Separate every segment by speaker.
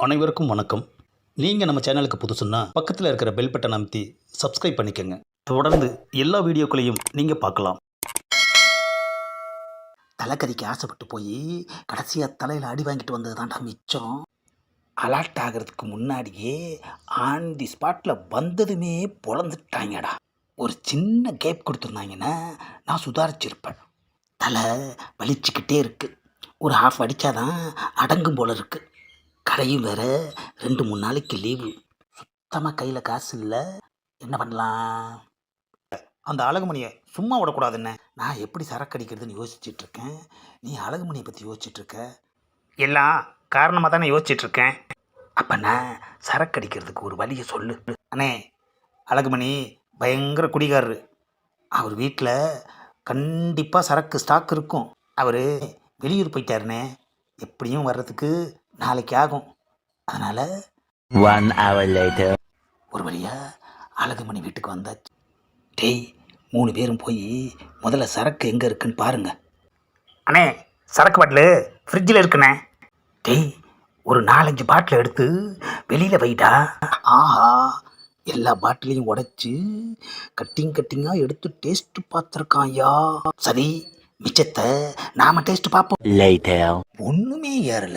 Speaker 1: அனைவருக்கும் வணக்கம். நீங்கள் நம்ம சேனலுக்கு புதுசுன்னா பக்கத்தில் இருக்கிற பெல் பட்டன் அமைத்தி சப்ஸ்கிரைப் பண்ணிக்கோங்க. தொடர்ந்து எல்லா வீடியோக்களையும் நீங்கள் பார்க்கலாம். தலைக்கறிக்கு ஆசைப்பட்டு போய் கடைசியாக தலையில் அடி வாங்கிட்டு வந்தது தான்டா மிச்சம். அலர்ட் ஆகிறதுக்கு முன்னாடியே ஆன் தி ஸ்பாட்டில் வந்ததுமே பொழந்துட்டாங்கடா. ஒரு சின்ன கேப் கொடுத்துருந்தாங்கன்னா நான் சுதாரிச்சிருப்பேன். தலை வலிச்சுக்கிட்டே இருக்குது. ஒரு ஹாஃப் அடித்தாதான் அடங்கும் போல இருக்குது. கடையும் வேறு 2-3 நாளைக்கு லீவு. சுத்தமாக கையில் காசு இல்லை. என்ன பண்ணலாம்? அந்த அழகுமணியை சும்மா விடக்கூடாதுன்னு நான் எப்படி சரக்கு அடிக்கிறதுன்னு யோசிச்சுட்ருக்கேன். நீ அழகுமணியை பற்றி யோசிச்சுட்ருக்க. எல்லாம் காரணமாக தானே யோசிச்சுட்ருக்கேன். அப்போ நான் சரக்கு அடிக்கிறதுக்கு ஒரு வழியை சொல்லு. அண்ணே, அழகுமணி பயங்கர குடிகாரரு. அவர் வீட்டில் கண்டிப்பாக சரக்கு ஸ்டாக் இருக்கும். அவர் வெளியூர் போயிட்டாருண்ணே. எப்படியும் வர்றதுக்கு நாளைக்கு ஆகும். அதனால்
Speaker 2: 1 hour later.
Speaker 1: ஒரு வழியாக அழகுமணி வீட்டுக்கு வந்தாச்சு. டேய், 3 பேரும் போய் முதல்ல சரக்கு எங்கே இருக்குன்னு பாருங்க. அண்ணே, சரக்கு பாட்டில் ஃப்ரிட்ஜில் இருக்குண்ணே. டேய், ஒரு 4-5 பாட்டில் எடுத்து வெளியில் வைடா. ஆஹா, எல்லா பாட்டிலையும் உடைச்சி கட்டிங்காக எடுத்து டேஸ்ட்டு பார்த்துருக்கான் ஐயா. சரி, மிச்சத்தை நாம் டேஸ்ட்டு பார்ப்போம்.
Speaker 2: Later.
Speaker 1: ஒன்றுமே ஏறல.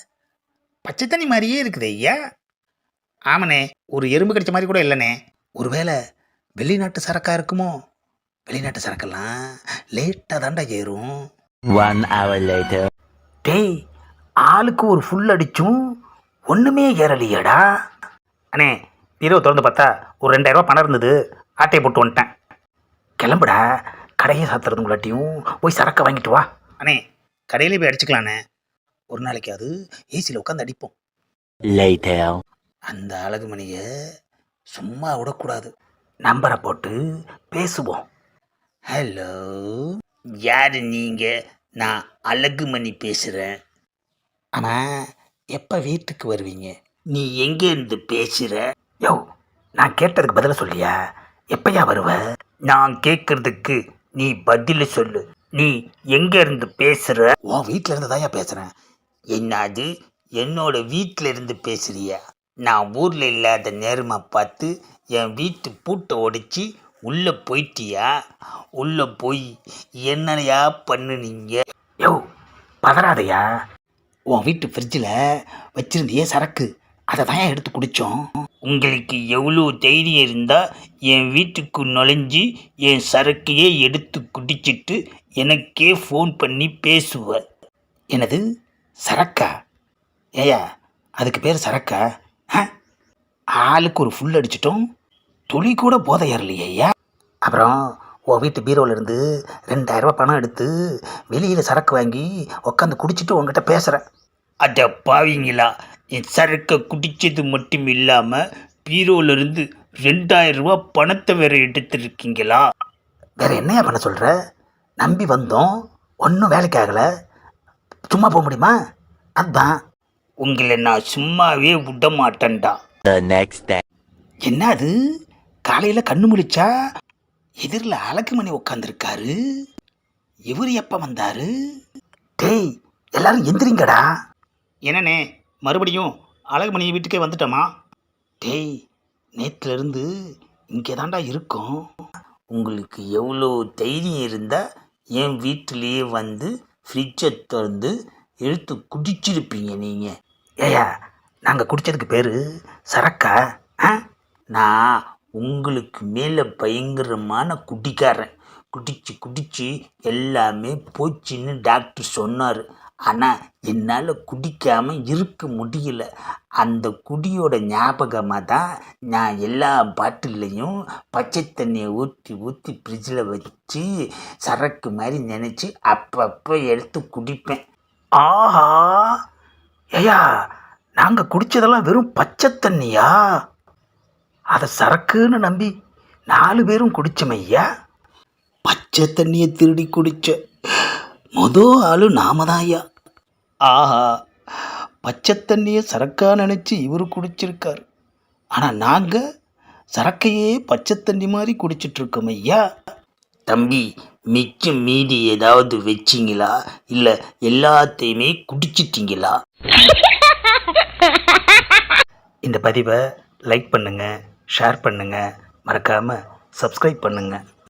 Speaker 1: பச்சை தண்ணி மாதிரியே இருக்குது ஐயா. ஆமாண்ணே, ஒரு எறும்பு கடிச்ச மாதிரி கூட இல்லைண்ணே. ஒருவேளை வெளிநாட்டு சரக்காக இருக்குமோ? வெளிநாட்டு சரக்கெல்லாம் லேட்டாக தாண்டா ஏறும்.
Speaker 2: 1 hour later.
Speaker 1: டேய், ஆளுக்கு ஒரு ஃபுல் அடிச்சும் ஒன்றுமே ஏறலையாடா. அண்ணே, பீரோ திறந்து பார்த்தா ஒரு 2000 ரூபா பணம் இருந்தது. ஆட்டையை போட்டு வந்துட்டேன். கிளம்புடா, கடையை சாத்துறதுங்களாட்டியும் போய் சரக்கை வாங்கிட்டு வா. அண்ணே, கடையிலே போய் அடிச்சுக்கலாண்ணே. ஒரு நாளைக்கு அது ஏசியில் உட்காந்து அடிப்போம்.
Speaker 2: Later.
Speaker 1: அந்த அழகுமணியை சும்மா விடக்கூடாது. நம்பரை போட்டு பேசுவோம். ஹலோ, யார் நீங்கள்? நான் அழகுமணி பேசுகிறேன். ஆமாம், எப்போ வீட்டுக்கு வருவீங்க? நீ எங்கேருந்து பேசுகிற? யோ, நான் கேட்டதுக்கு பதில சொல்லியா? எப்பயா வருவ? நான் கேட்குறதுக்கு நீ பதில் சொல்லு. நீ எங்கேருந்து பேசுகிற? உன் வீட்டில் இருந்து தான்யா பேசுகிறேன். என்னது, என்னோட வீட்டில் இருந்து பேசுகிறியா? நான் ஊரில் இல்லாத நேரமாக பார்த்து என் வீட்டு பூட்டை உடைச்சி உள்ளே போயிட்டியா? உள்ளே போய் என்னையா பண்ணுனீங்க? யோ, பதறாதையா. உன் வீட்டு ஃப்ரிட்ஜில் வச்சுருந்தியே சரக்கு, அதை தான் எடுத்து குடித்தோம். உங்களுக்கு எவ்வளோ தைரியம் இருந்தால் என் வீட்டுக்கு நுழைஞ்சி என் சரக்கையே எடுத்து குடிச்சிட்டு எனக்கே ஃபோன் பண்ணி பேசுவ. எனது சரக்கா? ஏயா, அதுக்கு பேர் சரக்கா? ஆளுக்கு ஒரு ஃபுல் அடிச்சிட்டோம், துளி கூட போதை ஏறலையா? அப்புறம் உன் வீட்டு பீரோவிலேருந்து 2000 ரூபா பணம் எடுத்து வெளியில் சரக்கு வாங்கி உட்காந்து குடிச்சிட்டு உங்ககிட்ட பேசுகிறேன். அட பாவீங்களா, என் சரக்கை குடித்தது மட்டும் இல்லாமல் பீரோவிலேருந்து 2000 ரூபா பணத்தை வேறு எடுத்துருக்கீங்களா? வேறு என்னையா பண்ண சொல்கிற? நம்பி வந்தோம், ஒன்றும் வேலைக்கு ஆகலை. சும்மா போக முடியுமா? அதுதான். உங்களை நான் சும்மாவே விட மாட்டேன்டா.
Speaker 2: The next day.
Speaker 1: என்ன அது, காலையில் கண்ணு முழிச்சா எதிரில் அழகுமணி உட்காந்துருக்காரு. இவர் எப்போ வந்தாரு? டேய், எல்லாரும் எந்திரிங்கடா. என்னண்ணே, மறுபடியும் அழகுமணி வீட்டுக்கே வந்துட்டோமா? டேய், நேற்றுலேருந்து இங்கே தாண்டா இருக்கோம். உங்களுக்கு எவ்வளோ தைரியம் இருந்தால் என் வீட்டிலேயே வந்து ஃப்ரிட்ஜை திறந்து எடுத்து குடிச்சிருப்பீங்க நீங்கள். ஏயா, நாங்கள் குடித்ததுக்கு பேர் சரக்கா? நான் உங்களுக்கு மேலே பயங்கரமான குடிக்காரன். குடிச்சு எல்லாமே போச்சுன்னு டாக்டர் சொன்னார். ஆனால் என்னால் குடிக்காமல் இருக்க முடியல. அந்த குடியோட ஞாபகமாக தான் நான் எல்லா பாட்டிலையும் பச்சை தண்ணியை ஊற்றி ஃப்ரிட்ஜில் வச்சு சரக்கு மாதிரி நினச்சி அப்பப்போ எடுத்து குடிப்பேன். ஆஹா, ஐயா, நாங்கள் குடித்ததெல்லாம் வெறும் பச்சை தண்ணியா? அதை சரக்குன்னு நம்பி 4 பேரும் குடித்தோமையா. பச்சை தண்ணியை திருடி குடித்த ஆளு நாம தான் ஐயா. ஆஹா, பச்சை தண்ணியை சரக்கா நினச்சி இவர் குடிச்சிருக்கார். ஆனால் நாங்கள் சரக்கையே பச்சை தண்ணி மாதிரி குடிச்சிட்ருக்கோம் ஐயா. தம்பி, மிச்சம் மீதி ஏதாவது வச்சிங்களா? இல்லை எல்லாத்தையுமே குடிச்சிட்டிங்களா? இந்த பதிவை லைக் பண்ணுங்கள், ஷேர் பண்ணுங்கள், மறக்காமல் சப்ஸ்கிரைப் பண்ணுங்கள்.